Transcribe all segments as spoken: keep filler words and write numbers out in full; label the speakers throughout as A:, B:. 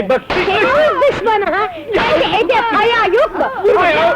A: Hey bak!
B: Senin düşmanı ha! Kendi edep ayağı yok mu?
A: Ayağı!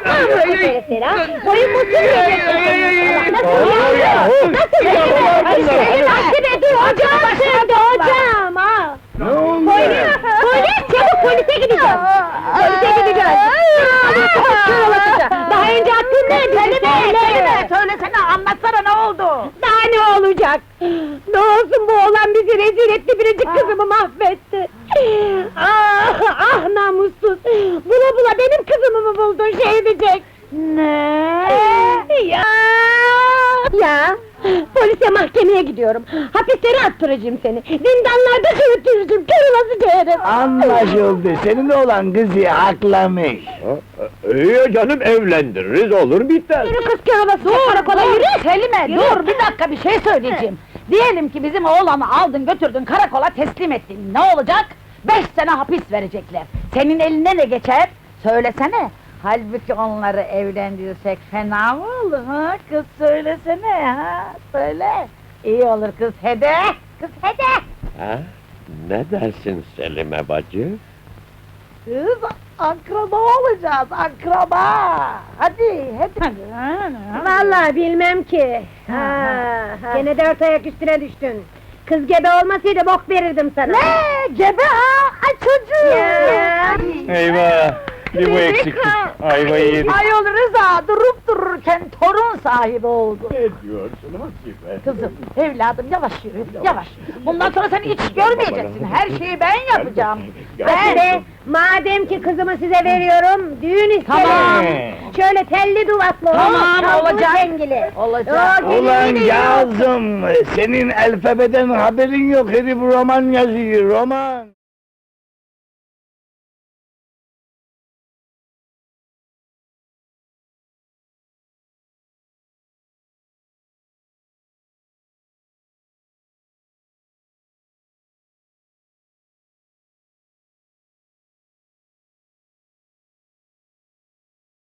B: Boyun mutsuz edeceksin! Nasıl ya? Nasıl ya? Senin aksine dur hocam! Şimdi hocam ha!
C: Ne oldu?
B: Polis! Polis! Çabuk polise gideceğim! Polise gideceğiz! Kör olasıca! Daha önce attın neydi?
D: Söyleme, söyleme, söylesene, anlatsana ne oldu?
B: Daha ne olacak? Ne olsun bu oğlan bizi rezil etti, biricik kızımı mahvetti! Ah, ah namussuz! Bula bula benim kızımı mı buldun şey edecek?
D: Ne?
B: Ya! Ya! Polise mahkemeye gidiyorum! Hapislere attıracağım seni! Zindanlarda çürütürücüm, kör olasıca herif!
C: Anlaşıldı, senin oğlan kızı haklamış.
A: İyi canım, evlendiririz, olur biter!
B: Yürü kız kör olasıca karakola yürü!
D: Selime,
B: Yürü.
D: dur bir dakika bir şey söyleyeceğim. Diyelim ki bizim oğlanı aldın götürdün karakola teslim ettin, ne olacak? Beş sene hapis verecekler. Senin eline ne geçer? Söylesene. Halbuki onları evlendirirsek fena mı olur ha? Kız söylesene ha, söyle. İyi olur kız hede, kız hede.
A: Ha? Ne dersin Selime bacı?
D: Kız akraba olacağız, akraba. Hadi, hadi.
B: Vallahi bilmem ki! Ha,
D: ha.
B: gene dört ayak üstüne düştün! Kız gebe olmasaydı bok verirdim sana!
D: Ne? Gebe ha? Ay çocuğum!
B: Ya.
C: Eyvah! Bir bu eksikti, ayvayı yedik.
D: Ayol Rıza durup dururken torun sahibi oldu.
A: Ne diyorsun Hasibe?
D: Kızım, evladım yavaş yürü, yavaş. Bundan sonra sen hiç görmeyeceksin, her şeyi ben yapacağım.
B: Hadi be! Madem ki kızımı size veriyorum, düğün isterim!
D: Tamam.
B: Şöyle telli duvaklı,
D: Tamam,
B: çalgılı
D: olacak.
B: zengili.
D: Olacak.
B: Oo,
C: Ulan
B: gelini de yok.
C: Kazım, senin alfabeden haberin yok, herif roman yazıyor, roman!